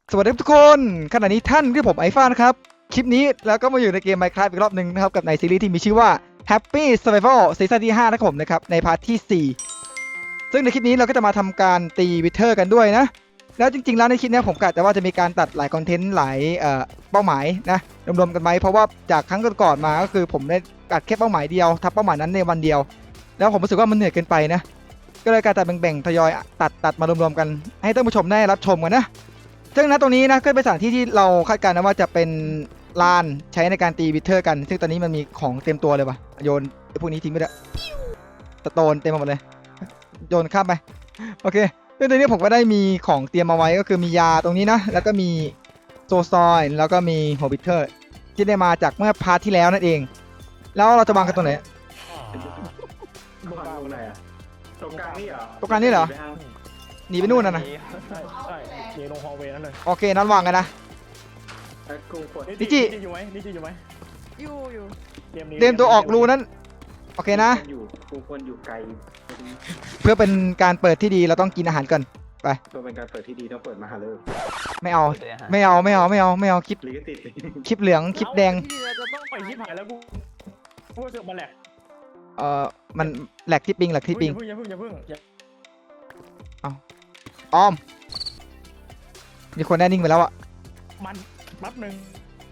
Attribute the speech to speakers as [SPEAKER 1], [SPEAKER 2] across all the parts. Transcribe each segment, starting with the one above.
[SPEAKER 1] สวัสดีทุกคนขณะนี้ท่านที่ผมไอฟ้านะครับคลิปนี้แล้วก็มาอยู่ในเกม Minecraft อีกรอบหนึ่งนะครับกับในซีรีส์ที่มีชื่อว่า Happy Survival ซีซั่นที่5นะครับผมนะครับในพาร์ทที่4ซึ่งในคลิปนี้เราก็จะมาทำการตีวิเทอร์กันด้วยนะแล้วจริงๆแล้วในคลิปนี้ผมกะแต่ว่าจะมีการตัดหลายคอนเทนต์หลายเป้าหมายนะรวมๆกันไหมเพราะว่าจากครั้งก่อนๆมาก็คือผมได้ตัดแค่เป้าหมายเดียวทำเป้าหมายนั้นในวันเดียวแล้วผมรู้สึกว่ามันเหนื่อยเกินไปนะก็เลยการตัดแบ่งๆทยอยตัดมารวมๆกันให้ท่านผู้ชมได้รับชมกันนะซึ่งณตรงนี้นะก็เป็นสถานที่ที่เราคาดการณ์นะว่าจะเป็นลานใช้ในการตีวิเทอร์กันซึ่งตอนนี้มันมีของเต็มตัวเลยว่ะโยนไอ้พวกนี้ทิ้งไปเลยสโตนเต็มไปหมดเลยโยนข้ามไปโอเคซึ่งตอนนี้ผมก็ได้มีของเตรียมมาไว้ก็คือมียาตรงนี้นะแล้วก็มีโซซอยแล้วก็มีโฮบิเทอร์ที่ได้มาจากเมื่อพาร์ทที่แล้วนั่นเองแล้วเราจะวางกันตรงไหน
[SPEAKER 2] มึงวางตรงไหนอ่ะตรงกลางนี่เหรอ
[SPEAKER 1] ตรงกลางนี่เหรอ หนีไปนู่นนะ
[SPEAKER 3] ใช่เดี๋ยวลงฮอลเวย์นั่นเลย
[SPEAKER 1] โอเคนั้นวางกันนะ
[SPEAKER 2] ไอ้กูกด
[SPEAKER 1] นิจิ
[SPEAKER 3] อยู่ไหมนิจิอยู่ไหม
[SPEAKER 4] อยู่
[SPEAKER 3] เกมนี้
[SPEAKER 1] เตรียมตัวออกรูนั้นโอเคนะ
[SPEAKER 2] กูควรอยู่ไกล
[SPEAKER 1] เพื่อเป็นการเปิดที่ดีเราต้องกินอาหารก่อน
[SPEAKER 2] เพื่อเป็นการเปิดที่ดีต้องเปิดมาหาเลย
[SPEAKER 1] ไม่เอาคลิป
[SPEAKER 2] ลิขสิทธิ์
[SPEAKER 1] คลิปเหลืองคลิปแดง
[SPEAKER 4] ที่เราจะต้อง
[SPEAKER 3] ไปชิบหายแล้วกูเสือกมาแหลก
[SPEAKER 1] มันแหลกที่ปิง
[SPEAKER 3] อย่าเพิ่ง
[SPEAKER 1] อ้อมมีคนแน่นิ่งไปแล้วอะ
[SPEAKER 3] มันแป๊บหนึ่ง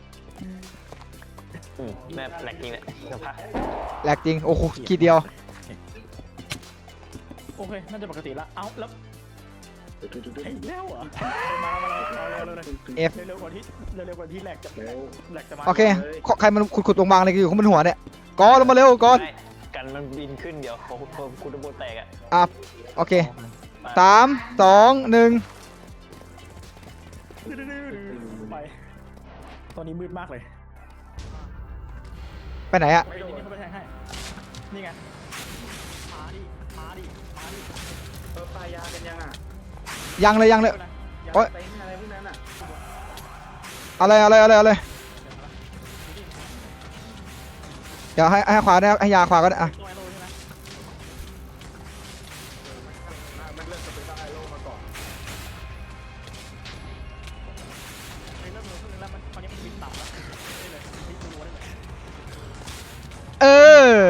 [SPEAKER 5] แม่แหลกจริงเนี่ยสภาพ
[SPEAKER 1] แหลกจริงโอ้โหขีดเดียว
[SPEAKER 3] โอเคน่าจะปกติละเอ้าแล้วไอ้แล้วเหรอมาเร็วเร็วกว่าที่แหลกจะมา
[SPEAKER 1] โอเคใครมันขุดตรงวางอะไรกันอยู่ข้างบนหัวเนี่ยกอลงมาเร็วกอน
[SPEAKER 5] กันมันบินขึ้นเดี๋ยวคุณระบบแตกอ่ะ
[SPEAKER 1] อ่ะโอเค3 2 1
[SPEAKER 3] ไปตอนนี้มืดมากเลย
[SPEAKER 1] ไปไหนอะ
[SPEAKER 3] ไปนี่เขาไปแทงให้นี่ไงมาดิ
[SPEAKER 2] ปลายากันยังอ่ะ
[SPEAKER 1] ยังเลย
[SPEAKER 2] ยา
[SPEAKER 1] โอ๊ย
[SPEAKER 2] เต็นอะไรพวกนั้นอ่ะ
[SPEAKER 1] เอาเลยเดี๋ยวให้ขวาได้ให้ยาขวาก็ได้อะ
[SPEAKER 3] ตัวไอโร่ใช่ไหม
[SPEAKER 2] มันเริ่มจะเป็นไอโลมาก่อน
[SPEAKER 3] เริ่มขึ้นแล้วมันตอนนี้มันบินต่ำแล้วได้เลยนี่ดูได้เลย
[SPEAKER 1] เออ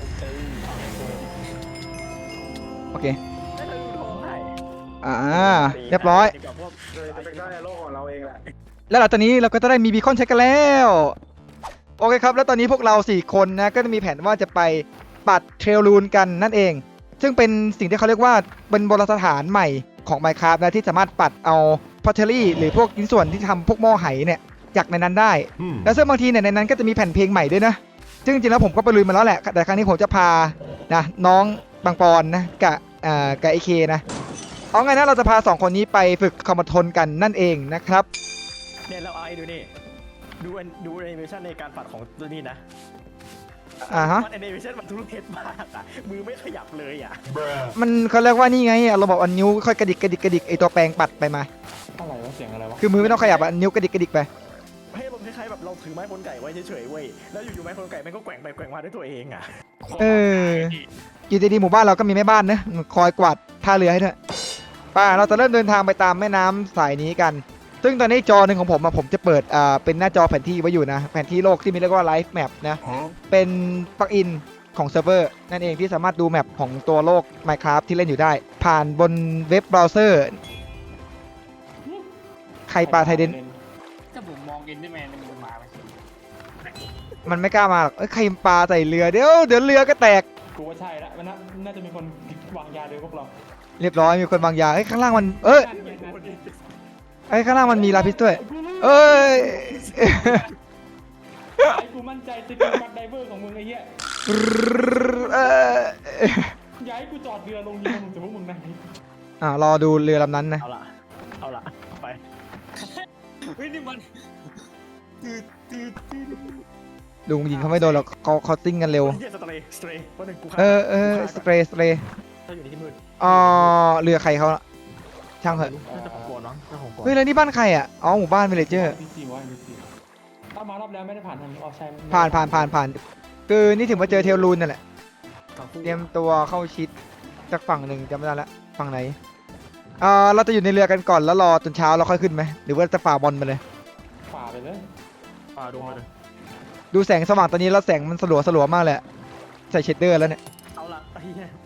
[SPEAKER 1] โอเค
[SPEAKER 3] ได้เลยดูทองให้
[SPEAKER 1] เรียบร้อย
[SPEAKER 3] ดีกว่าพวก
[SPEAKER 2] เลยจะเป็นไอโลของเราเองแหละ
[SPEAKER 1] แล้วหลังจากนี้เราก็จะได้มีบีคอนใช้กันแล้วโอเคครับแล้วตอนนี้พวกเรา4คนนะก็จะมีแผนว่าจะไปปัดเทรลลูนกันนั่นเอง ซึ่งเป็นสิ่งที่เขาเรียกว่าเป็นโบราณสถานใหม่ของ Minecraft นะที่สามารถปัดเอาพอเทอรี่หรือพวกชิ้นส่วนที่ทำพวกหม้อไหเนี่ยจากในนั้นได้ แล้วซึ่งบางทีเนี่ยในนั้นก็จะมีแผ่นเพลงใหม่ด้วยนะซึ่งจริงๆแล้วผมก็ไปลุยมาแล้วแหละแต่ครั้งนี้ผมจะพานะน้องบางปอนนะกับไอเคนะเอาไงนะเราจะพา2คนนี้ไปฝึกคอมมานด์ทนกันนั่นเองนะครับ
[SPEAKER 3] เนี่ยเราไอ้ดูนี่ดูแอนิเมชันในการปัดของตัวนี้นะ
[SPEAKER 1] ฮะ
[SPEAKER 3] มันแอนิเมชันมันทุเรศมากอ่ะมือไม่ขยับเลยอ่ะ
[SPEAKER 1] มันเขาเรียกว่านี่ไงเราบอกว่านิ้วค่อยกระดิกไอตัวแปรงปัดไปมา
[SPEAKER 3] อะไรวะเสียงอะไรวะ
[SPEAKER 1] คือมือไม่ต้องขยับอ่ะนิ้วกระดิกไป
[SPEAKER 3] ให้ลมณ์คล้ายๆแบบเราถือไม้คนไก่ไว้เฉยๆเว้ยแล้วอยู่ๆไม้คนไก่มันก็แกว่งไปแกว่งมาด้วยตัวเองอ่ะ
[SPEAKER 1] เอออยู่ดีๆหมู่บ้านเราก็มีแม่บ้านนะคอยกวาดท่าเรือให้ด้วยป่าเราจะเริ่มเดินทางไปตามแม่น้ำสายนี้กัน ซึ่งตอนนี้จอหนึ่งของผมผมจะเปิดเป็นหน้าจอแผนที่ไว้อยู่นะแผนที่โลกที่มีเรียกว่า Live Map นะเป็นปลั๊กอินของเซิร์ฟเวอร์นั่นเองที่สามารถดูแมปของตัวโลก Minecraft ที่เล่นอยู่ได้ ผ่านบนเว็บเบราว์เซอร์ใครปาไทเดน
[SPEAKER 6] ถ้าผมมองเอ็นได้แมนมันมาไหม
[SPEAKER 1] มันไม่กล้ามาหรอกใครปาใส่เรือเดี๋ยวเรือก็แตก
[SPEAKER 3] กูว่าใช่ละมันน่าจะมีคนวางยาเลยพวกเรา
[SPEAKER 1] เรียบร้อยมีคนบางอย่างข้างล่างมันข้างล่างมันมีลาพิสด้วยเอ้ย
[SPEAKER 6] ไอ้กูมั่นใจสกิลการไดเวอร์ของมึงไอ้เหี้ย
[SPEAKER 1] เอ้ย
[SPEAKER 6] อย่าให้กูจอดเรือลงเรือมึงจะพวกมึงนะ
[SPEAKER 1] รอดูเรือลำนั้นนะ
[SPEAKER 3] เอาละไป
[SPEAKER 6] เฮ้ยนี่มัน
[SPEAKER 1] ลุงยิงเขาไม่โดนหรอกเขาติ้งกันเร็ว
[SPEAKER 3] เฮียสเตย์วันหนึ่งกู
[SPEAKER 1] สเปรย์
[SPEAKER 3] ถ้าอยู่ในที่มืด
[SPEAKER 1] เรือใครเขาล่ะช่างเถอะ
[SPEAKER 3] น่าจะของก่อนน้องน่าของก่อน
[SPEAKER 1] เฮ้ยแล้วนี่บ้านใครอ่ะหมู่บ้านวิลเลเจอร์
[SPEAKER 6] พีซีวะพีซีถ้ามารอบแล้วไม่ได้ผ่านทางนี้ออกใช่
[SPEAKER 1] ผ่านคือนี่ถึงมาเจอเทลลูนนั่นแหละเตรียมตัวเข้าชิดจากฝั่งหนึ่งจำไม่ได้ละฝั่งไหนเราจะอยู่ในเรือกันก่อนแล้วรอจนเช้าเราค่อยขึ้นไหมหรือว่าจะฝ่าบอลไปเลย
[SPEAKER 6] ฝ่าไปเลย
[SPEAKER 3] ป่าดูมาเลย
[SPEAKER 1] ดูแสงสว่างตอนนี้แล้วแสงมันสลัวมากเลยอะใส่เชดเดอร์แล้วเนี่ย
[SPEAKER 3] เอาละไอ้เหี้ย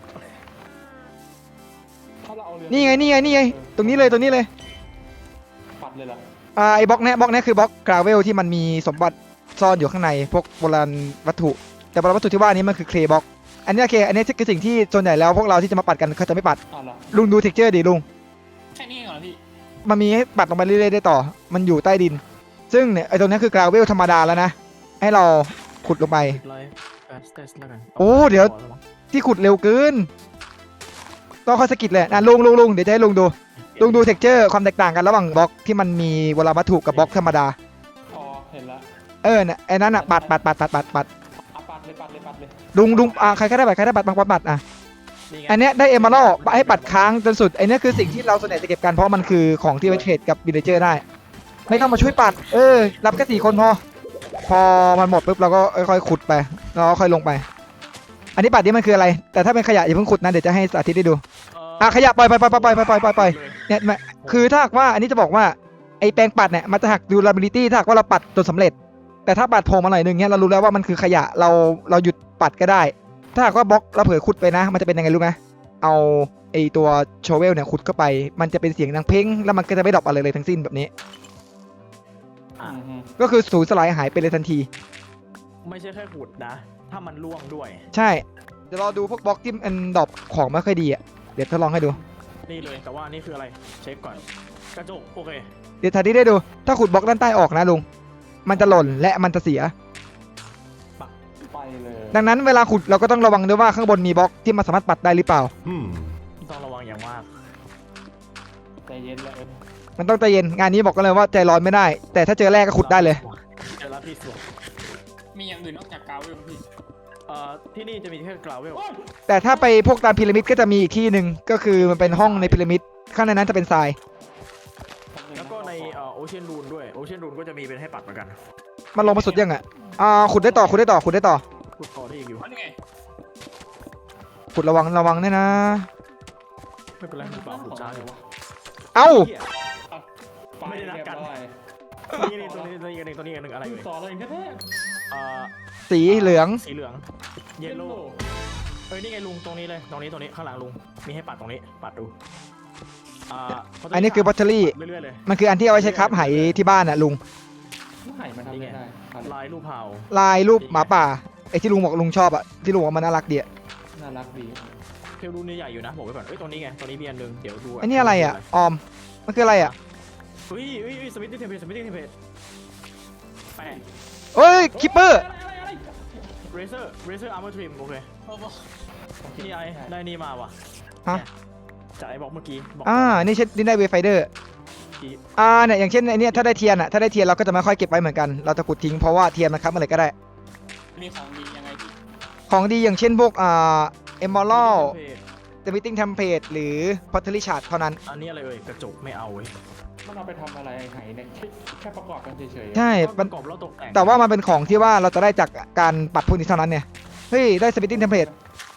[SPEAKER 6] ถ้าเราเอาเรือ
[SPEAKER 1] นี่ไงตรงนี้เลย
[SPEAKER 6] ปัดเลยล่ะ
[SPEAKER 1] ไอ้บล็อกเนี้ยคือบล็อกกราเวลที่มันมีสมบัติซ่อนอยู่ข้างในพวกโบราณวัตถุแต่โบราณวัตถุที่ว่านี้มันคือเคลบล็อกอันนี้โอเคอันนี้คือสิ่งที่ส่วนใหญ่แล้วพวกเราที่จะมาปัดกันเขาจะไม่ปัด
[SPEAKER 6] เอาละ
[SPEAKER 1] ลุงดูเท็กเจอร์ดิลุง
[SPEAKER 6] แค่นี้เหรอพี่
[SPEAKER 1] มันมีให้ปัดลงไปเรื่อยๆได้ต่อมันอยู่ใต้ดิน ซึ่งเนี่ยไอ้ตรงนี้คือกราเวลธรรมดาแล้วนะให้เราขุดลงไป
[SPEAKER 3] ไลฟ์แฟสเตสแล้วกัน
[SPEAKER 1] โอ้เดี๋ยว ที่ขุดเร็วเกินต้องค่อยสกิดเลยนะลุงเดี๋ยวจะให้ลุงดูเท็กเจอร์ความแตกต่างกันระหว่างบล็อกที่มันมีโบราณวัตถุกับบล็อกธรรมดา
[SPEAKER 6] อ๋อเห็นละ
[SPEAKER 1] เนี่ยไอ้นั่นอ่ะปัด
[SPEAKER 6] อ่ะปัดเลย
[SPEAKER 1] ลุงใครก็ได้ปัดปัดอ่ะ
[SPEAKER 3] นี่ไง
[SPEAKER 1] อันเนี้ยได้เอม a รัลให้ปัดค้างจนสุดไอ้เนี้ยคือสิ่งที่เราส่วนใหญ่จะเก็บกันเพราะมันคือของที่ไว้เทรดกับวิลเลเจอร์ได้ ไม่ต้องมาช่วยปัดรับแค่4 คนพอมันหมดปุ๊บเราก็ค่อยๆขุดไปแล้วก็ค่อยลงไป อันนี้ปัดนี่มันคืออะไร แต่ถ้าเป็นขยะอย่าเพิ่งขุดนะเดี๋ยวจะให้สาธิตได้ดูขยะปล่อยเนี่ยคือถ้าหากว่าอันนี้จะบอกว่าไอ้แปรงปัดเนี่ยมันจะหัก durability ถ้าหากว่าเราปัดจนสำเร็จ แต่ถ้าปัดโผล่มาหน่อยนึงเนี่ยเรารู้แล้วว่ามันคือขยะเราหยุดปัดก็ได้ ถ้าหากว่าบล็อกเราเผลอขุดไปนะ มันจะเป็นยังไงรู้ไหมเอาไอตัวโชเวลเนี่ยขุดเข้าไปมันจะเป็นเสียงดังเพ้งแล้วมันก็จะไม่ดรอปอะไรเลยทั้งสิ้นแบบนี้
[SPEAKER 3] อ่ะ
[SPEAKER 1] ก็คือสูญสลายหายไปเลยทันที
[SPEAKER 3] ไม่ใช่แค่ขุดนะ ถ้ามันล่วงด้วย
[SPEAKER 1] ใช่เดี๋ยวรอดูพวกบล็อกที่มันดรอปของไม่ค่อยดีอ่ะเดี๋ยวทดลองให้ดู
[SPEAKER 3] นี่เลยแต่ว่านี่คืออะไรเช็คก่อนกระจกโอเค
[SPEAKER 1] เดี๋ยวทันทีได้ดู ถ้าขุดบล็อกด้านใต้ออกนะลุงมันจะหล่นและมันจะเสีย
[SPEAKER 6] ไปเลย
[SPEAKER 1] ดังนั้นเวลาขุดเราก็ต้องระวังด้วยว่าข้างบนมีบล็อกที่มันสามารถปัดได้หรือเปล่า
[SPEAKER 3] ต้องระวังอย่างมาก
[SPEAKER 6] ใจเย็นเลย
[SPEAKER 1] มันต้องใจเย็นงานนี้บอกกันเลยว่าใจร้อนไม่ได้ แต่ถ้าเจอแรกก็ขุดได้เลย
[SPEAKER 3] เจอแล้วพี่สวง
[SPEAKER 6] มีอย่างอื่นนอกจากกาวเวลพี่
[SPEAKER 3] ที่นี่จะมีแค่กราวเวล
[SPEAKER 1] แต่ถ้าไปพวกตามพีระมิดก็จะมีอีกที่หนึ่งก็คือมันเป็นห้องในพีระมิดข้างในนั้นจะเป็นทราย
[SPEAKER 3] แล้วก็ในโอเชียนรูนด้วยโอเชียนรูนก็จะมีเป็นให้ปัดเหมือนกัน
[SPEAKER 1] มันลงมาสุดยังอ่ะขุดได้ต่อ
[SPEAKER 3] ขุดต่อได้อีกอยู่
[SPEAKER 6] นี่ไง
[SPEAKER 1] ขุดระวังเนี่ยนะ
[SPEAKER 3] ไม่เป็นไรขุดเปล่าขุดช้าอยู่
[SPEAKER 1] เอ้า
[SPEAKER 3] เหี้ย ไม่ได้นัดกัน นี่ตัวนี้อีกอันหนึ่งอะไร
[SPEAKER 6] อยู่
[SPEAKER 3] เลย
[SPEAKER 6] ต่อเลยแท้
[SPEAKER 1] สีเหลือง
[SPEAKER 3] สีเหลืองเยลโล่นี่ไงลุงตรงนี้เลยตรงนี้ข้างหลังลุงมีให้ปัดตรงนี้ปัดดู
[SPEAKER 1] อันนี้คือบัตเตอรี่
[SPEAKER 3] เรื่อยๆเลย
[SPEAKER 1] มันคืออันที่เอาไว้ใช้คับไหที่บ้านอ่ะลุง
[SPEAKER 6] ไห่มันทำไม่ได้
[SPEAKER 3] ลายรูปเผา
[SPEAKER 1] ลายรูปหมาป่าไอ้ที่ลุงบอกลุงชอบอ่ะที่ลุงบอกมันน่ารักดีอ่ะ
[SPEAKER 6] น่ารักดี
[SPEAKER 3] เทลรูนนี่ใหญ่อยู่นะบอกไว้ก่อนตรงนี้ไงตรงนี้มีอันนึงเดี๋ยวดู
[SPEAKER 1] ไอ้นี่อะไรอ่ะออมมันคืออะไรอ่ะ
[SPEAKER 3] สมิธตี้เทมเพลแปะ
[SPEAKER 1] เอ้ยคิปเปอร์
[SPEAKER 3] เรเซอร์อาร์เมอร์ทริมโอเคนี่ไอ้ได้นี่มาว่ะ
[SPEAKER 1] ฮะ
[SPEAKER 3] จากไอ้บอกเมื่อกี้บอก
[SPEAKER 1] นี่เช่นนี่ได้เวไฟเดอร์เนี่ยอย่างเช่นไอ้นี่ถ้าได้เทียนอ่ะถ้าได้เทียนเราก็จะไม่ค่อยเก็บไว้เหมือนกันเราจะขุดทิ้งเพราะว่าเทียนมันครับอะไรก็ได้
[SPEAKER 6] มีของดียังไงพี่
[SPEAKER 1] ของดีอย่างเช่นพวกเอมอรัลเดมิติ้งเทมเพลตหรือพอตเทอรี่ชาร์ดเท่านั้น
[SPEAKER 3] อันนี้อะไรกระจกไม่เอาเว้ย
[SPEAKER 6] มันเอาไปทำอะไรไห่เนี่ยแค่ประกอบกันเฉยๆ
[SPEAKER 1] ใช่
[SPEAKER 3] ป
[SPEAKER 1] มัน
[SPEAKER 3] ระกอบแล้วตกแต่ง
[SPEAKER 1] แต่ว่ามันเป็นของที่ว่าเราจะได้จากการปัดพวกนี้เท่านั้นเนี่ยเฮ้ยได้สปิตติ้งเทมเพลต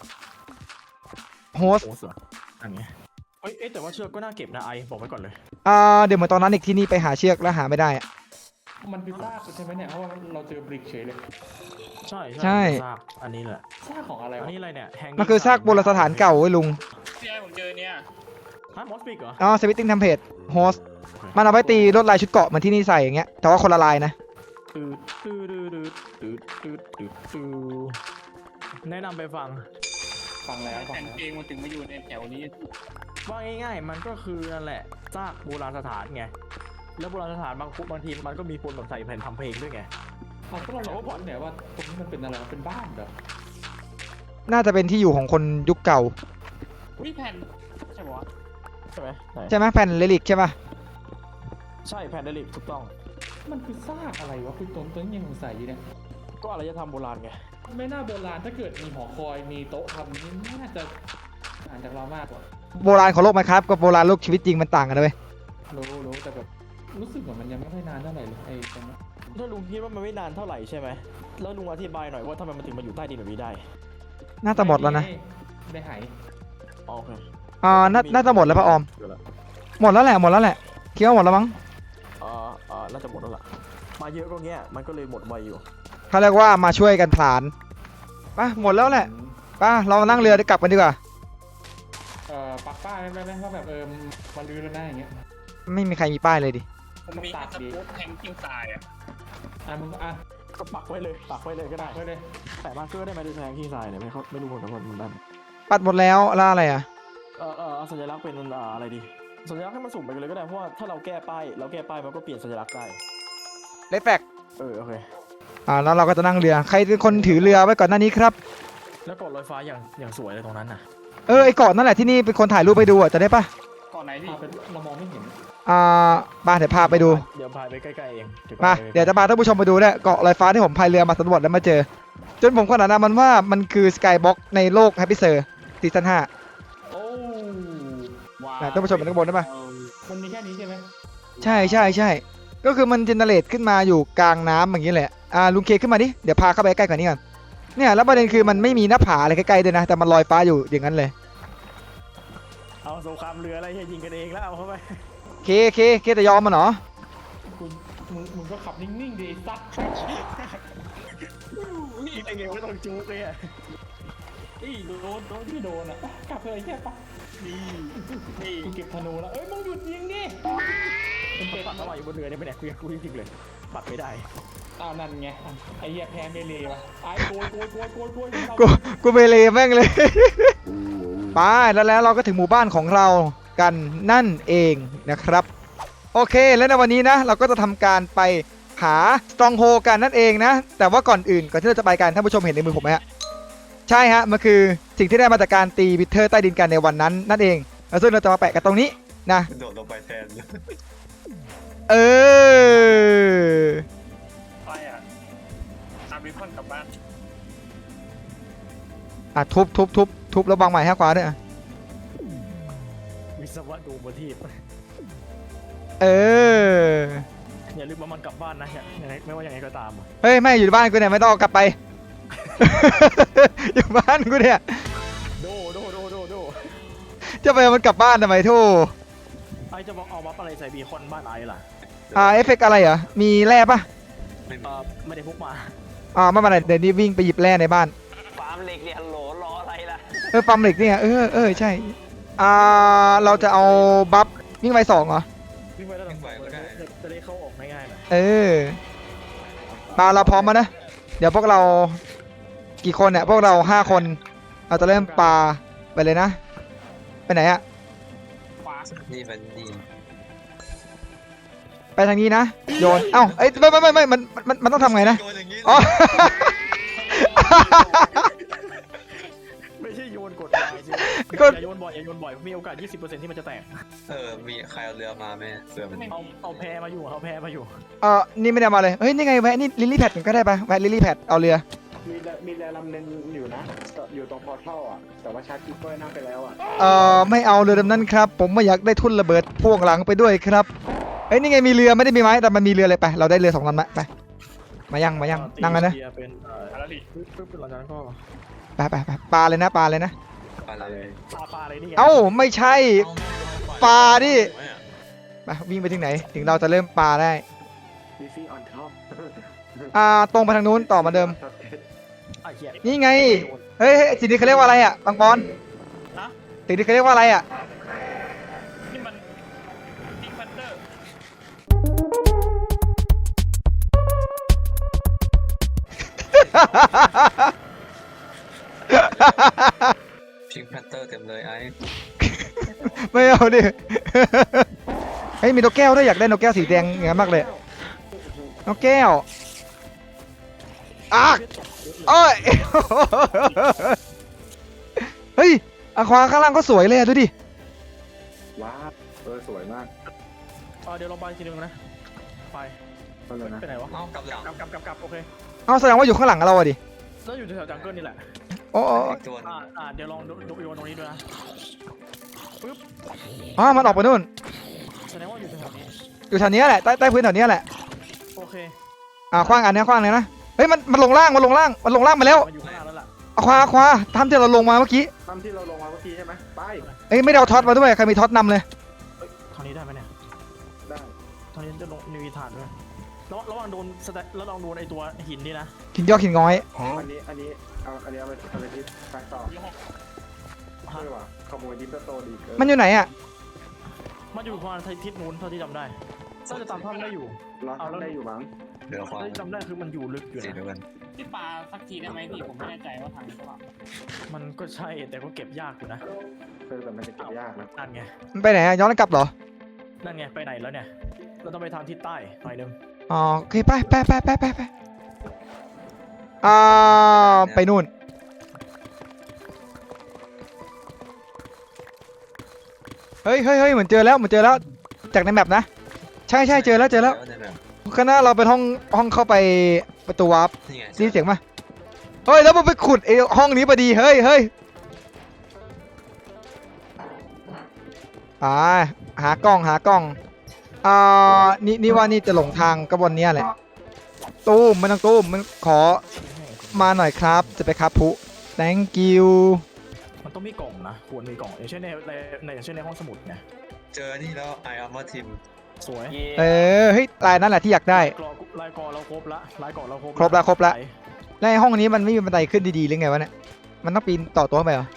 [SPEAKER 1] โฮส
[SPEAKER 3] โอ้เสืออันนี้แต่ว่าเชือกก็น่าเก็บนะไอบอกไว้ก่อนเลย
[SPEAKER 1] เดี๋ยวเหมือนตอนนั้นอีกที่นี่ไปหาเชือกแล้วหาไม่ได้อะ
[SPEAKER 6] มันคือซากใช่ไหมเนี่ยเพราะว่าเราเจอบริกเฉยเลย
[SPEAKER 3] ใช่
[SPEAKER 1] ใช่
[SPEAKER 3] ซากอันนี้แหละ
[SPEAKER 6] ซากของอะไร
[SPEAKER 3] อัน
[SPEAKER 6] วะ
[SPEAKER 3] นี้อะไรเนี่ยแฮง
[SPEAKER 1] มันคือซากโบราณสถานเก่าเว้ยลุง
[SPEAKER 6] ที่ไอ้ผมเจอเนี่ย
[SPEAKER 3] ฮะมอสปิกเหรอ
[SPEAKER 1] สปิตติ้งเทมเพลตโฮสมันเอาไว้ตีลวดลายชุดเกราะเหมือนที่นี่ใส่อย่างเงี้ยแต่ว่าคนละลายนะ
[SPEAKER 3] แนะนำไปฟัง
[SPEAKER 6] ฟังแล้ว
[SPEAKER 4] แต่งเพลงมันถึงมาอยู่ในแถวนี้
[SPEAKER 3] ว่าง่ายๆมันก็คือนั่นแหละซากโบราณสถานไงแล้วโบราณสถานบางทีมันก็มีคนแบบใส่แผ่นทำเพลงด้วยไง
[SPEAKER 6] ก็เราบอกว่าเนี่ยว่าตรงนี้มันเป็นอะไรเป็นบ้านเหรอ
[SPEAKER 1] น่าจะเป็นที่อยู่ของคนยุคเก่า
[SPEAKER 4] วิแผ่นใช่ปะวะ
[SPEAKER 3] ใช่ไหม
[SPEAKER 1] ใช่ไหมแผ่นเรลิกใช่ป่ะ
[SPEAKER 3] ใช่แผ่นเดลิกถูกต้อง
[SPEAKER 6] มันคือซากอะไรวะคือต้นยังสงสัยอยู่เนี่ย
[SPEAKER 3] ก็อารยธรรมโบราณไง
[SPEAKER 6] ไม่น่าโบราณถ้าเกิดมีหอคอยมีโต๊ะทำนี่น่าจะอ่านจากเรามากกว่า
[SPEAKER 1] โบราณของโลกไหมครับกับโบราณโลกชีวิตจริงมันต่างกันนะเว้ย
[SPEAKER 6] รู้แต่แบบรู้สึกว่ามันยังไม่ค่อยนานเท่าไหร่เลยไอ้ตรงนี้
[SPEAKER 3] ถ้าลุงคิดว่ามันไม่นานเท่าไหร่ใช่ไหมแล้วลุงอธิบายหน่อยว่าทำไมมันถึงมาอยู่ใต้ดินแบบนี้ได้
[SPEAKER 1] น่าจะหมดแล้วนะ
[SPEAKER 6] ได้หาย
[SPEAKER 3] โอเค
[SPEAKER 1] น่าจะหมดแล้วพระออมหมดแล้วแหละหมดแล้วแหละคิดว่าหมดแล้วมั้ง
[SPEAKER 3] น่าจะหมดแล้วล่ะมาเยอะก็เงี้ยมันก็เลยหมดไวอยู่
[SPEAKER 1] เขาเรียกว่ามาช่วยกันผลานไปหมดแล้วแหละไปเรามานั่งเรือเดี๋ยวกลับกันดีกว่า
[SPEAKER 6] ปักป้ายได้ไหมว่าแบบมาลื้อแล้วนะอย่างเงี้ย
[SPEAKER 1] ไม่มีใครมีป้ายเลยดิ
[SPEAKER 4] ผมมีสกู๊ตแทงกิ้งทรายอ่ะ
[SPEAKER 6] มึง
[SPEAKER 3] ก็ปักไว้เลยก็ได้
[SPEAKER 6] ไปเลย
[SPEAKER 3] แต่มาร์คเกอร์ได้ไหมดูแทงที่ทรายเนี่ยไม่รู้เหมือนกันว่ามันได้ไหม
[SPEAKER 1] ปัดหมดแล้วแล้วอะไรอ่ะ
[SPEAKER 3] เอาสัญลักษณ์เป็นอะไรดีสัญลักษณ์ให้มันสุ่มไปเลยก็ได้เพราะว่าถ้าเราแก้ป้ายมันก็เปลี่ยนสัญลักษณ์ได้
[SPEAKER 1] เลฟแฟก
[SPEAKER 3] โอเค
[SPEAKER 1] แล้วเราก็จะนั่งเรือใครเป็นคนถือเรือไว้ก่อนหน้านี้ครับ
[SPEAKER 3] แล้วเกาะลอยฟ้าอย่างสวยเลยตรงนั้นน่ะ
[SPEAKER 1] ไอ้เกาะนั่นแหละที่นี่เป็นคนถ่ายรูปไปดูอ่ะจะได้ปะ
[SPEAKER 4] ก่อนไหนพี่
[SPEAKER 6] เรามองไม่เห็น
[SPEAKER 1] มาเดี๋ยวพาไปดู
[SPEAKER 3] เดี๋ยวพายไปใกล้ๆเอง
[SPEAKER 1] มาเดี๋ยวจะพาท่านผู้ชมไปดูเนี่ยเกาะลอยฟ้าที่ผมพายเรือมาสำรวจแล้วมาเจอ จนผมขนาดนั้นมันว่ามันคือสกายบ็อกในโลกแฮปปี้เซอร์ซีซั่น
[SPEAKER 6] โอ้
[SPEAKER 4] ว้า
[SPEAKER 1] 5ท่านผู้ชมเห็นข้างบนได้ปะ
[SPEAKER 6] มันมีแค่นี้ใช่ไหม
[SPEAKER 1] ใช่ก็คือมันเจเนเรตขึ้นมาอยู่กลางน้ำอย่างนี้แหละลุงเคขึ้นมาดิเดี๋ยวพาเข้าไปใกล้กว่านี้ก่อนเนี่ยแล้วประเด็นคือมันไม่มีหน้าผาอะไรใกล้ๆด้วยนะแต่มันลอยฟ้าอยู่อย่างนั้นเลย
[SPEAKER 3] เอาสงครามเรืออะไรยิงกันเองแล้วเอาเข้าไป
[SPEAKER 1] เคจะยอมมันเหรอ
[SPEAKER 6] มึงก็ขับนิ่งๆดิซัด
[SPEAKER 3] ไอ้เงี้ยไม่ต้องจุกเลยอ่ะ
[SPEAKER 6] โดนที่โดนอ่ะกลับเลยแค่ปะ
[SPEAKER 4] นี่
[SPEAKER 6] กูเก็บธนูแล้วมึงหยุดยิงดิ
[SPEAKER 3] มันปัดอะไรอยู่บนเรือเนี่ยไม่แน่กูจริงเลยปัดไม่ได้
[SPEAKER 6] นั่นไงไอ้เหี้ยแพ้เมลีวะไอ้โกย
[SPEAKER 1] กูไปเลยแม่งเลย ไปแล้วเราก็ถึงหมู่บ้านของเรากันนั่นเองนะครับโอเคแล้วในวันนี้นะเราก็จะทำการไปหาสตรองโฮกันนั่นเองนะแต่ว่าก่อนที่เราจะไปกันท่านผู้ชมเห็นในมือผมไหมฮะใช่ฮะมันคือสิ่งที่ได้มาจากการตีบิทเทอร์ใต้ดินกันในวันนั้นนั่นเองแล้วซึ่งเราจะมาแปะกันตรงนี้นะ
[SPEAKER 5] โดดลงไปแทน
[SPEAKER 4] ไปอ่ะตามริคอนกลับบ้าน
[SPEAKER 1] ทุบแล้ววางใหม่ให้ขวาด้วยอ่ะ
[SPEAKER 3] วิศวะดูบนที่ อย่าลืมว่ามันกลับบ้านนะยังไงไม่ว่ายังไงก็ตาม
[SPEAKER 1] เฮ้ยไม่อยู่บ้านกูเนี่ยไม่ต้องเอากลับไป อยู่บ้านกูเนี่ย
[SPEAKER 3] โด
[SPEAKER 1] จะไปเอามันกลับบ้านทำไมทู่
[SPEAKER 3] ไอจะบอกเอาบัฟอะไรใส่บีคอนบ้านไอล่ะ
[SPEAKER 1] เอฟเฟกต์อะไรเหรอมีแร่ปะ
[SPEAKER 3] ไม่ได้พกมา
[SPEAKER 1] ไม่เป็นไรเดี๋ยวนี้วิ่งไปหยิบแร่ในบ้าน
[SPEAKER 5] ฟาร์มเหล็กเนี่ยฮัลโหลรออะไรล่ะ
[SPEAKER 1] ปั๊มเหล็กเนี่ยใช่เราจะเอาบัฟวิ่งไป2เหรอ
[SPEAKER 3] วิ่งไปแล้วจะได้เข้าออกง่ายๆหน่อย
[SPEAKER 1] มาเราพร้อมมานะเดี๋ยวพวกเรากี่คนเนี่ยพวกเรา5คนเราจะเริ่มปาไปเลยนะไปไหนอะ
[SPEAKER 4] ขวา
[SPEAKER 5] นี่มันดี
[SPEAKER 1] ไปทางนี้นะโยนไม่มันต้องทำไงนะ
[SPEAKER 5] โยนอย่างนี้
[SPEAKER 1] อ๋อ
[SPEAKER 3] ไม่ใช่โยนกดลายสิอย่าโยนบ่อยมีโอกาส 20% ที่มันจะแตก
[SPEAKER 5] มีใครเอาเรือมาไหมเรือมัน
[SPEAKER 3] เอาแพมาอยู่
[SPEAKER 1] นี่ไม่ได้มาเลยเฮ้ยนี่ไงแวะนี่ลิลลี่แพดก็ได้ปะแวะลิลลี่แพดเอาเรือ
[SPEAKER 2] มีเรือลำนึงอยู่นะอยู่ตรงพอร์ทัลอ่ะแต่ว่าชาร์จกิ๊กก็นั่งไปแล้วอ่ะ
[SPEAKER 1] ไม่เอาเรือลำนั้นครับผมไม่อยากได้ทุ่นระเบิดพ่วงหลังไปด้วยครับเฮ้ยนี่ไงมีเรือไม่ได้มีไม้แต่มันมีเรือเลยไปเราได้เรือ2 ลำละไปมายังนั่งกันนะ
[SPEAKER 3] เป็น
[SPEAKER 4] อะไรดิ
[SPEAKER 3] ปึ๊บหลังจากนั้นก็
[SPEAKER 1] ไปปลาเลยนะ
[SPEAKER 5] ปลาเลย
[SPEAKER 3] ปลาอะไรนี่
[SPEAKER 1] เอ้าไม่ใช่ปลาดิไปวิ่งไปถึงไหนถึงเราจะเริ่มปลาได้
[SPEAKER 2] บีฟี่ออนท็อป
[SPEAKER 1] ตรงไปทางนู้นต่อมาเดิม
[SPEAKER 3] เหี้ย
[SPEAKER 1] นี่ไงเฮ้ยสิ่งนี้เขาเรียกว่าอะไรอ่ะปังปอนสิ่งนี้เขาเรียกว่าอะไรอ่ะ
[SPEAKER 4] นี่มันพิงพันเตอร์
[SPEAKER 5] พิงแพนเตอร์เต็มเลยไอ้
[SPEAKER 1] ไม่เอาดิ เฮ้ยมีนกแก้วด้วยอยากได้นกแก้วสีแดงอย่างนั้นมากเลยนกแก้วโอ้ย เฮ้ยอะควาข้างล่างก็สวยเลยดูดิ
[SPEAKER 2] ว้าวสวยมาก
[SPEAKER 3] เดี๋ยวลองไปทีนึงนะไปไหนวะ
[SPEAKER 5] เอากลับหลัง
[SPEAKER 3] กลับโอเค
[SPEAKER 1] เอาแสดงว่าอยู่ข้างหลังเราอะดิ
[SPEAKER 3] แล้วอยู่แถวจังเกิลนี่แหละ
[SPEAKER 1] โอ้
[SPEAKER 5] อีกตัวนึง
[SPEAKER 3] เดี๋ยวลองโยนตรงนี้ด้วยนะปึ๊บ
[SPEAKER 1] มันออกไปนู่น
[SPEAKER 3] แสดงว่าอยู่แถวนี้
[SPEAKER 1] อยู่แถวนี้แหละใต้พื้นแถวนี้แหละ
[SPEAKER 3] โอเค
[SPEAKER 1] คว้างอันนี้คว้างเลยนะเฮ้ยมันลงล่างมาแล้ว
[SPEAKER 3] มาอยู่ข้างล่างแล้วล่ะ
[SPEAKER 1] คว้าทำที่เราลงมาเมื่อกี้
[SPEAKER 2] ตามที่เราลงมาเมื่อกี้ใช่ไหมไป
[SPEAKER 1] เอ้ยไม่ได้เอาท็อตมาด้วยใครมีท็อตนำเลย
[SPEAKER 3] คราวนี้มีฐานด้วยระวังโดนสแตแล้วลองโดนไอตัวหินนี่นะ
[SPEAKER 1] หินยอกหินง้อย
[SPEAKER 2] อันนี้เอาไปที่แฟกต่อใช่ป่ะขโมยดิปโตดีเกิน
[SPEAKER 1] มันอยู่ไหนอ่ะ
[SPEAKER 3] มันอยู่ประมาณทิศนู้นเท่าที่จำได้น่าจะตามถ้ำได้อยู่
[SPEAKER 2] รอทำได้อยู่มั้ง
[SPEAKER 5] เรือความ
[SPEAKER 3] เท่าที่จำได้คือมันอยู่ลึกอยู่
[SPEAKER 5] สี
[SPEAKER 3] นะ
[SPEAKER 5] เดียวกัน
[SPEAKER 4] ที่ปลาสักทีได้ไหมพี่ผมไม่แน่ใจว่าทางหรือเปล่า
[SPEAKER 3] มันก็ใช่แต่ก็เก็บยากอยู่นะ
[SPEAKER 2] แต่มันจะเก็บยากนะ
[SPEAKER 3] นั่นไง
[SPEAKER 1] มันไปไหนอะย้อนกลับเหรอ
[SPEAKER 3] นั่นไงไปไหนแล้วเนี่ยเราต้องไปทางทิศใต้หน่อยนึง
[SPEAKER 1] อ๋อโอเคไปไปนู่นเฮ้ยเหมือนเจอแล้วจากในแมปนะใช่เจอแล้ว
[SPEAKER 5] ในแบบ
[SPEAKER 1] ข้างหน้าเราเป็นห้องเข้าไปประตูวาร์ป
[SPEAKER 5] นี่ไง
[SPEAKER 1] ได้ยินเสียงปะเฮ้ยแล้วมันไปขุดไอ้ห้องนี้พอดีเฮ้ยหากล้องนี่ว่านี่จะหลงทางกระบวนเนี้ยแหละตู้มมันต้องตู้มมันขอมาหน่อยครับจะไปครับพุ thank you
[SPEAKER 3] มันต้องมีกล่องนะควรมีกล่องอย่างเช่นอย่างเช่นในห้องสมุดไง
[SPEAKER 5] เจอนี่แล้วไออาร์มาทีม
[SPEAKER 3] สวย
[SPEAKER 1] เฮ้ยลายนั่นแหละที่อยากได้
[SPEAKER 3] ลายกอเราครบละลายกอเราครบ
[SPEAKER 1] ครบละ แล้วไอ้ห้องนี้มันไม่มีบันไดขึ้นดีๆหรือไงวะเนี่ยมันต้องปีนต่อตัวไปเหรอ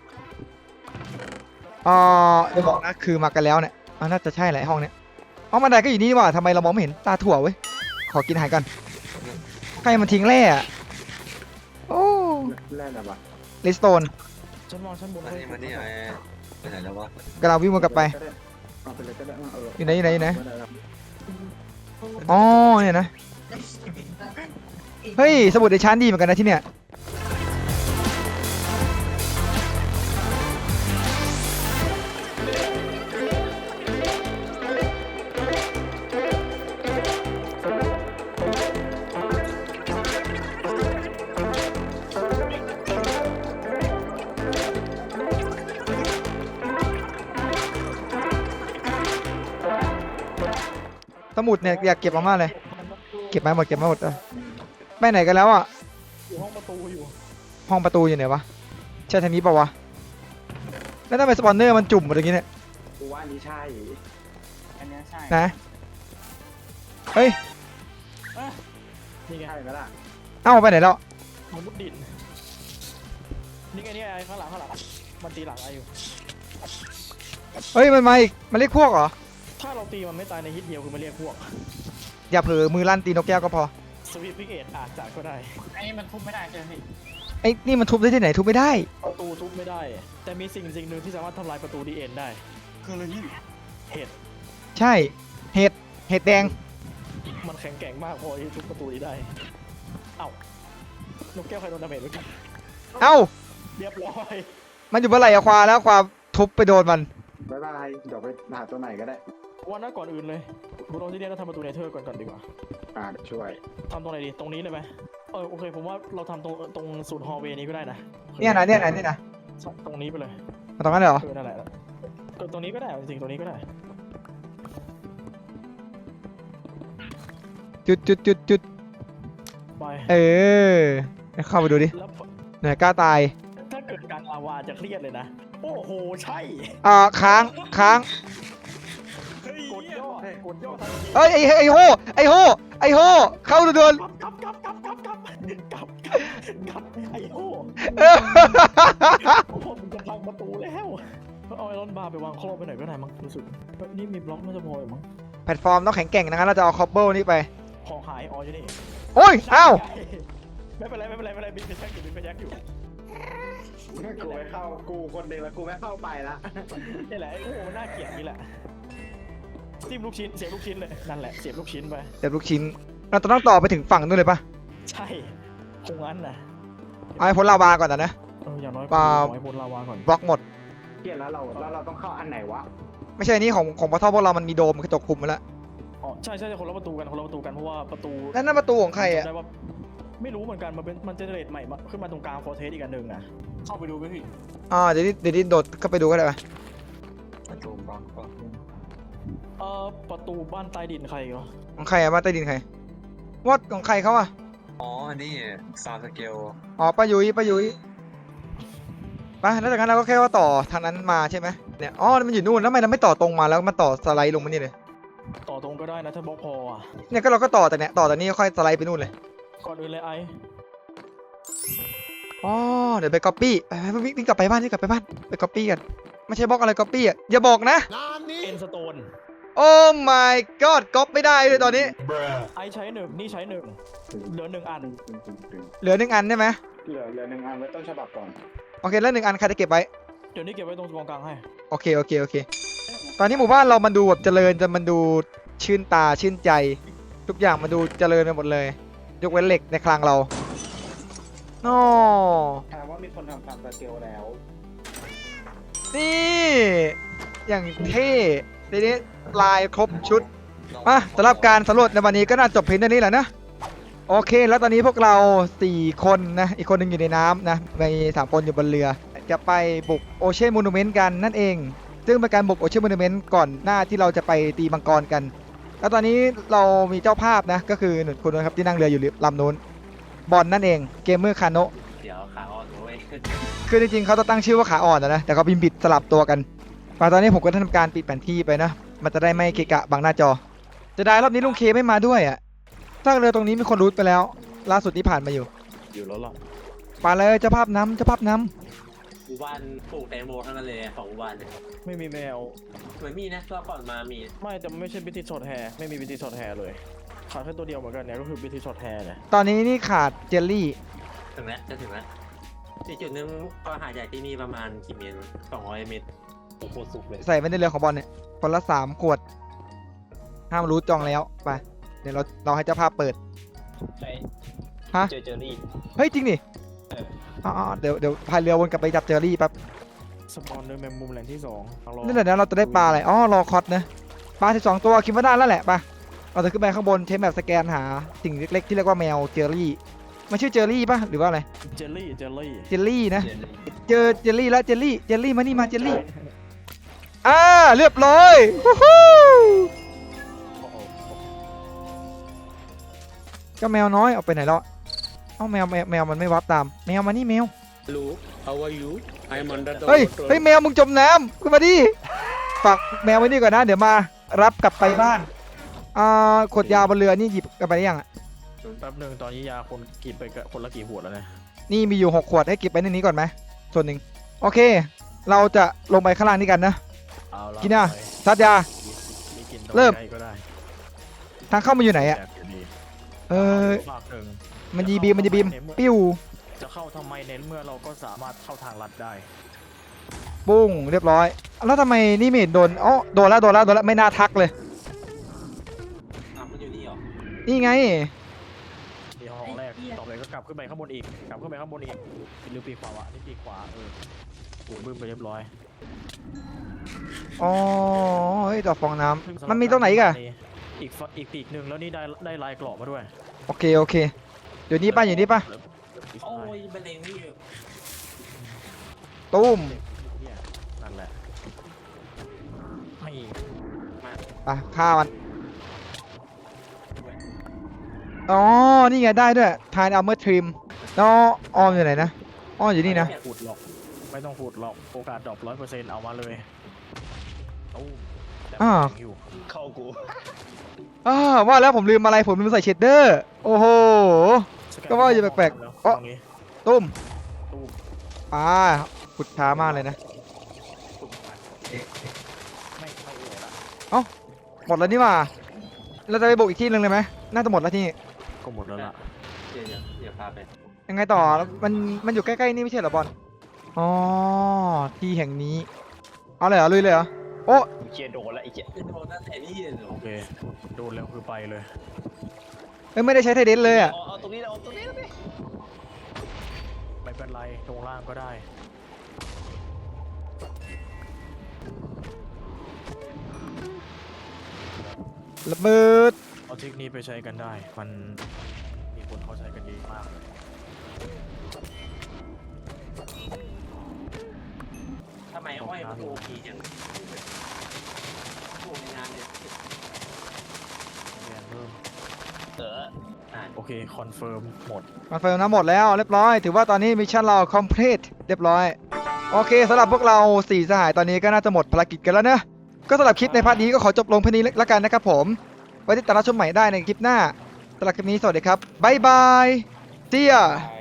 [SPEAKER 1] เดี๋ยวบอกนะคือมากันแล้วเนี่ยน่าจะใช่แหละห้องเนี้ยบันไดก็อยู่นี่ว่ะทำไมเรามองไม่เห็นตาถั่วเว้ยขอกินอาหารก่อนใครมันทิ้งแร่อะโอ้
[SPEAKER 2] แร่นะวะ
[SPEAKER 1] ลิสโตน
[SPEAKER 3] ชั้นมองชั้นบน
[SPEAKER 5] มันนี่ไอไปไหนแล้ววะ
[SPEAKER 1] กำลังวิ่งวนกลับไป
[SPEAKER 2] เอาไปเลยก็ได้เออ
[SPEAKER 1] อยู่ไหนอ๋อเนี่ยนะเฮ้ยสมุดในชั้นดีเหมือนกันนะที่เนี่ยสมุดเนี่ยอยากเก็บมากๆเลยเก็บมาหมดไปไหนกันแล้วอ่ะ
[SPEAKER 3] อยู่ห้องประตูอยู่
[SPEAKER 1] ห้องประตูอยู่ไหนวะใช่ทางนี้ปะวะแล้วทำไมสปอนเนอร์มันจุ่มหมดอย่างงี้เนี่ย
[SPEAKER 2] กูว่านี่ใช่
[SPEAKER 4] อันเนี้ยใช่
[SPEAKER 1] นะเฮ้ย
[SPEAKER 3] นี่ไง
[SPEAKER 2] ใช่ไหมล่ะ
[SPEAKER 1] เอ้าไปไหนแล้ว
[SPEAKER 3] มันมุดดินนี่ไงไอ้ข้างหลังมันตีหลังไออยู่
[SPEAKER 1] เฮ้ยมันมาอีกมันเรียกพวกเหรอ
[SPEAKER 3] ถ้าเราตีมันไม่ตายในฮิตเดียวคือมันเรียกพวก
[SPEAKER 1] อย่าเผลอมือลั่นตีนกแก้วก็พอ
[SPEAKER 3] สวีทพิกเอตอาจจะก็ได้
[SPEAKER 4] ไอ้นี่มันทุบไม่ได้ใช่ไหมพี่
[SPEAKER 1] ไอ้นี่มันทุบได้ที่ไหนทุบไม่ได้
[SPEAKER 3] ประตูทุบไม่ได้ แต่มีสิ่งหนึ่งที่สามารถทำลายประตูดีเอ็นได้
[SPEAKER 4] คืออะไรพี่
[SPEAKER 3] เห็ด
[SPEAKER 1] ใช่เห็ดแดง
[SPEAKER 3] มันแข็งแกร่งมากพอที่ทุบประตูนี้ได้เอ้านกแก้วใครโดนดาเมจเมื่อกี้
[SPEAKER 1] เอ้า
[SPEAKER 3] เรียบร้อย
[SPEAKER 1] มันอยู่เมื่อไหร่อะควาแล้วควาทุบไปโดนมัน
[SPEAKER 2] บ๊ายบายเดี๋ยวไปหาตัวไหนก็ได้
[SPEAKER 3] วันนั้นก่อนอื่นเลยบุโรที่เนี่ยเราทำประตูเนเธอร์ก่อนดีกว่า
[SPEAKER 2] เดี๋ยวช่วย
[SPEAKER 3] ทำตรงไหนดีตรงนี้เลยไหมโอเคผมว่าเราทำตรงศูนย์ฮอลล์เวย์นี้ก็ได้นะ
[SPEAKER 1] เนี่ยนะ
[SPEAKER 3] ตรงนี้ไปเลย
[SPEAKER 1] มาตรงนั้นเลยเหรอ
[SPEAKER 3] นั่นแหละตรงนี้ก็ได้จริงๆตรงนี้ก็ได้
[SPEAKER 1] จุด
[SPEAKER 3] ไป
[SPEAKER 1] เข้าไปดูดิ
[SPEAKER 3] แล้ว
[SPEAKER 1] ไหนกล้าตาย
[SPEAKER 3] ถ้าเกิดการลาวาจะเครียดเลยนะโอ้โหใช่
[SPEAKER 1] ค้าง
[SPEAKER 3] กดย่ทันที
[SPEAKER 1] เอ้ยไอ้โหเข้าด่วน
[SPEAKER 3] กลับไอ้โห ผมจะพังประตูแล้วเอาไอรอนบาร์ไปวางครอบไปหน่อยก็ได้มั้งรู้สึกนี่มีบล็อกน่าจะพออยู่มั้ง
[SPEAKER 1] แพลตฟอร์มต้องแข็งแกร่งนะงั้นเราจะเอาคอบเบิลนี่ไป
[SPEAKER 3] ของหายอ๋ออยู่นี่
[SPEAKER 1] โอ้ยอ้าว
[SPEAKER 3] ไม่เป็นไรบินไปแช็กอยู่
[SPEAKER 2] กูไม่เข้ากูคนเดียวแล้วกูไม่เข้าไปละ
[SPEAKER 3] นี่แหละไอ้โอ้มันน่าเกลียดนี่แหละจิ้มลูกชิ้นเสียบลูกชิ้นเลยนั่นแหละเสียบลูกชิ้นไป
[SPEAKER 1] เดี๋ยวลูกชิ้นเราต้องต่อไปถึงฝั่งนู้นเลยปะ
[SPEAKER 3] ใช่คงงั้นนะ
[SPEAKER 1] เอาให้พ้นลาวาก่อนนะ
[SPEAKER 3] อย่างน้อย
[SPEAKER 1] เปล่า
[SPEAKER 3] ขอให้พ้นลาวาก่อน
[SPEAKER 1] บล็อกหมด
[SPEAKER 2] เกลียดแล้วเราต้องเข้าอันไหนวะ
[SPEAKER 1] ไม่ใช่นี่ของพระท่อพวกเรามันมีโดมกระจกคุมมาแล้ว
[SPEAKER 3] อ๋อใช่คนละประตูกันเพราะว่าประตู
[SPEAKER 1] แล้วนั่นประตูของใครอ่ะ
[SPEAKER 3] จำได้ว่าไม่รู้เหมือนกันมันเจเนเรตใหม่มาขึ้นมาตรงกลางฟอร์เทสอีกอันหนึ่งนะ
[SPEAKER 4] เข้าไปดูไหมพี่
[SPEAKER 1] เดี๋ยวนี้โดดเข้าไปดูก็ได้ปะ
[SPEAKER 5] ประตูบล็อกก็
[SPEAKER 3] ประตูบ้านใต้ดินใครเหรอ
[SPEAKER 1] ของใครอะบ้านใต้ดินใครวอดของใครเขาอะ
[SPEAKER 5] อ๋ออันนี้ซาวสเกล
[SPEAKER 1] ป้ายุ้ยไปแล้วจากนั้นเราก็แค่ว่าต่อทางนั้นมาใช่ไหมเนี่ยมันอยู่นู่นแล้วทำไมเราไม่ต่อตรงมาแล้วมันต่อสไลด์ลงมานี่เลย
[SPEAKER 3] ต่อตรงก็ได้นะถ้าบล็อกพออ่ะ
[SPEAKER 1] เนี่ยก็เราก็ต่อแต่เนี่ยต่อแต่นี้ค่อยสไลด์ไปนู่นเลย
[SPEAKER 3] ก่อนอื่นเลยไอ้
[SPEAKER 1] อ๋อเดี๋ยวไปก๊อปปี้ไปวิ่งกลับไปบ้านวิ่งกลับไปบ้านไปก๊อปปี้กันไม่ใช่บล็อกอะไรก๊อปปี้อ่ะอย่าบอกนะ
[SPEAKER 3] เอ็นสโตน
[SPEAKER 1] โอ้ my god ก๊อปไม่ได้เลยตอนนี้
[SPEAKER 3] ไอ้ใช้หนึ่งนี่ใช้หนึ่งเหลือหนึ่งอัน
[SPEAKER 1] เหลือ1 อันใช่ไหม
[SPEAKER 2] เหลือ1 อันไว้ต้นฉบับก่อน
[SPEAKER 1] โอเคแล้ว1 อันใครจะเก็บไว้
[SPEAKER 3] เดี๋ยวนี้เก็บไว้ตรงกองกลางให้
[SPEAKER 1] โอเคตอนนี้หมู่บ้านเรามันดูแบบเจริญจนมันดูชื่นตาชื่นใจ ทุกอย่างมันดูเจริญไปหมดเลยยกเว้นเหล็กในคลังเราโอ้
[SPEAKER 2] ถามว่ามีคนทำฟาร์มสเกลแล้ว
[SPEAKER 1] นี่อย่างเท่ทีนี้ลายครบชุดมาสำหรับการสำรวจในวันนี้ก็น่าจบเพียงเท่านี้แหละนะโอเคแล้วตอนนี้พวกเรา4 คนนะอีกคนหนึ่งอยู่ในน้ำนะมี3 คนอยู่บนเรือจะไปบุกโอเชียนมูนูเมนต์กันนั่นเองซึ่งเป็นการบุกโอเชียนมูนูเมนต์ก่อนหน้าที่เราจะไปตีมังกรกัน แล้วตอนนี้เรามีเจ้าภาพนะก็คือหนุ่มคนนะครับที่นั่งเรืออยู่ลำนู้นบอลนั่นเองเกมเมอร์คาโนะ
[SPEAKER 4] เดี๋ยวขาอ่อนเว้ย
[SPEAKER 1] คือจริงๆเขาจะตั้งชื่อว่าขาอ่อนนะแต่เขาพิมพ์ผิดสลับตัวกันมาตอนนี้ผมก็ทำการปิดแผนที่ไปนะมันจะได้ไม่เกะกะบังหน้าจอจะได้รอบนี้ลุงเคไม่มาด้วยอ่ะถ้าเรือตรงนี้มีคนรูทไปแล้วล่าสุดที่ผ่านมาอยู่
[SPEAKER 3] อยู่แล้วหรอ
[SPEAKER 1] ไปเลยเจ้าภาพน้ำเจ้าภาพน้
[SPEAKER 4] หมู่บ้านปลูกแตงโมทั้งนั้นเลย2 หมู่บ้านเนี่ย
[SPEAKER 3] ไม่มีแมว
[SPEAKER 4] เหมือนมีนะรอบก่อนมามี
[SPEAKER 3] ไม่แต่ไม่ใช่บิทิชช็อตแฮร์ไม่มีบิทิชช็อตแฮร์เลยขาดแค่ตัวเดียวเหมือนกันเนี่ยก็คือบิทิชช็อตแฮร์เนี่ย
[SPEAKER 1] ำตอนนี้นี่ขาดเจลลี่
[SPEAKER 4] ถึงแล้วจะถึงแล้วที่จุดนึงก็หาจากที่นี่ประมาณกี่เมตร200 เมตรโอ้โหสุกเลย
[SPEAKER 1] ใส่ไว้ในเรือของบอลเนี่ยคนละ3 ขวดห้ามรูทจองแล้วไปเดี๋ยวเราให้เจ้าภาพเปิด
[SPEAKER 4] ใช่
[SPEAKER 1] ฮะ
[SPEAKER 4] เจอรี่
[SPEAKER 1] เฮ้ยจริงดิ
[SPEAKER 4] เออ
[SPEAKER 1] อ๋อเดี๋ยวพายเรือวนกลับไปจับเจอรี่แป๊บ
[SPEAKER 3] สปอนเนอร์แมงมุมแหล่งที่2เอารอ
[SPEAKER 1] นี่เดี๋ยวนะเราจะได้ปลาอะไรอ๋อรอคอตนะปลา12 ตัวคิดว่าได้แล้วแหละไปเราจะขึ้นไปข้างบนใช้แบบสแกนหาสิ่งเล็กๆที่เรียกว่าแมวเจอรี่มันชื่อเจอรี่ป่ะหรือว่าอะไร
[SPEAKER 3] เจลลี่
[SPEAKER 1] เจลลี่นะ
[SPEAKER 4] เจอรี่
[SPEAKER 1] เจอเจลลี่แล้วเจลลี่มานี่มาเจลลี่เรียบร้อยฮู้ฮู้
[SPEAKER 3] โอ้โห
[SPEAKER 1] เจ้าแมวน้อยเอาไปไหนแล้วเอ้าแมวมันไม่วับตามแมวมานี่แมว
[SPEAKER 7] Hello, how are you? I am under the
[SPEAKER 1] เฮ้ย
[SPEAKER 7] water.
[SPEAKER 1] เฮ้ยแมวมึงจมน้ำขึ้นมาดิฝากแมวไว้นี่ก่อนนะเดี๋ยวมารับกลับไปบ้านขวดยาบนเรือนี่หยิบกลับไปได้ยังอ่ะ
[SPEAKER 3] แป๊บหนึงตอนนี้ยาคนกินไปคนละกี่ขวดแล้วเนี่ย
[SPEAKER 1] นี่มีอยู่6 ขวดให้เก็บไว้ในนี้ก่อนไหมส่วนหนึ่งโอเค เราจะลงไปข้างล่างนี่กันนะ
[SPEAKER 3] เอาละ
[SPEAKER 1] กินอ่ะ
[SPEAKER 3] ไป
[SPEAKER 1] ซัดยา
[SPEAKER 3] มีกิน
[SPEAKER 1] เริ่ม
[SPEAKER 3] ใกล้ก็ได้
[SPEAKER 1] ทางเข้ามาอยู่ไหนอ่ะ
[SPEAKER 3] แจกยู่ดี ฝากหนึ่ง
[SPEAKER 1] มันยีบีมปิ้ว
[SPEAKER 3] จะเข้าทำไมเน้นเมื่อเราก็สามารถเข้าทางลัดได้
[SPEAKER 1] ปุ้งเรียบร้อยแล้วทำไมนี่ไม่เห็นโดนอ๋อโดนแล้วไม่น่าทักเลย
[SPEAKER 4] มันอยู่นี่เหรอ
[SPEAKER 1] นี่ไง
[SPEAKER 3] ที่ห้องแรกต่อไปก็กลับขึ้นไปข้างบนอีกกลับขึ้นไปข้างบนอีกหรือปีกขวาวะนี่ปีกขวาถูกบึ้มไปเรียบร้อย
[SPEAKER 1] อ๋อเฮ้ยต่อฟองน้ำมันมีตรงไหนอีกอะ
[SPEAKER 3] อีกปีกหนึ่งแล้วนี่ได้ลายกรอบมาด้วย
[SPEAKER 1] โอเคเดี๋ยวนี้ป่ะอยู่นี่ป่ะ
[SPEAKER 4] โอ้ยเป็นเองนี่
[SPEAKER 1] ตุ้ม
[SPEAKER 3] เนี่ยนั่นแหละให้
[SPEAKER 1] อ่ะฆ่ามันอ๋อนี่ไงได้ด้วยทายอัลเมอร์ทริมแล้วออมอยู่ไหนนะอ้ออยู่นี่นะ
[SPEAKER 3] ขุดหรอกไม่ต้องขุดหรอกโอกาสดรอป100%เอามาเลยตู้มแต่มันยังอยู่
[SPEAKER 4] เข้ากู
[SPEAKER 1] ว่าแล้วผมลืมอะไรผมลืมใส่เชดเดอร์โอ้โห ก็ว่าอยู่แปลกๆ
[SPEAKER 3] แล้ว
[SPEAKER 1] อ๋อ
[SPEAKER 3] ตรงนี้
[SPEAKER 1] ตุ้ม
[SPEAKER 3] ตู้ม
[SPEAKER 1] ขุดช้ามากเลยนะ
[SPEAKER 3] ไม่เข้าเลยละ
[SPEAKER 1] หมดแล้วนี่หว่าเราจะไปบุกอีกที่หนึงเลยไหมน่าจะหมดแล้วที่นี่
[SPEAKER 3] ก็หมดแล้วล่ะ
[SPEAKER 4] เดี๋ยวพาไป
[SPEAKER 1] ยังไงต่อมันอยู่ใกล้ๆนี่ไม่ใช่เหรอบอลอ๋อที่แห่งนี้เอาเลยเหรอลุยเลยเหรอโอ้
[SPEAKER 4] เชียร์โดนแล้วไอ้เจี๊ยโดนตั้งแต่นี่เลยเหรอ
[SPEAKER 3] โอเคโดนแล้วคือไปเลย
[SPEAKER 1] ไม่ได้ใช้ไทเดนเลยอ่ะ
[SPEAKER 4] เอาตรงนี้เอาตรงนี้
[SPEAKER 3] ไม่เป็นไรตรงล่างก็ได้
[SPEAKER 1] ระเบิด
[SPEAKER 3] เอาเทคนิคไปใช้กันได้ มันมีคนเขาใช้กันดีมากเลย
[SPEAKER 4] ทำไมอ้อยมันโอพีจังโอ้ในงานเนี่ย
[SPEAKER 3] เรียนเพิ่ม
[SPEAKER 4] โ
[SPEAKER 3] โอเคคอนเฟิร์มหมด
[SPEAKER 1] มาเฟลนะหมดแล้วเรียบร้อยถือว่าตอนนี้มิชชั่นเรา complete เรียบร้อยโอเคสำหรับพวกเรา4 สหายตอนนี้ก็น่าจะหมดภารกิจกันแล้วนะก็สำหรับคลิปในพาร์ทนี้ก็ขอจบลงเพียงนี้แล้วกันนะครับผมไว้ติดตามรับชมใหม่ได้ในคลิปหน้าสำหรับคลิปนี้สวัสดีครับบ๊ายบายเจีย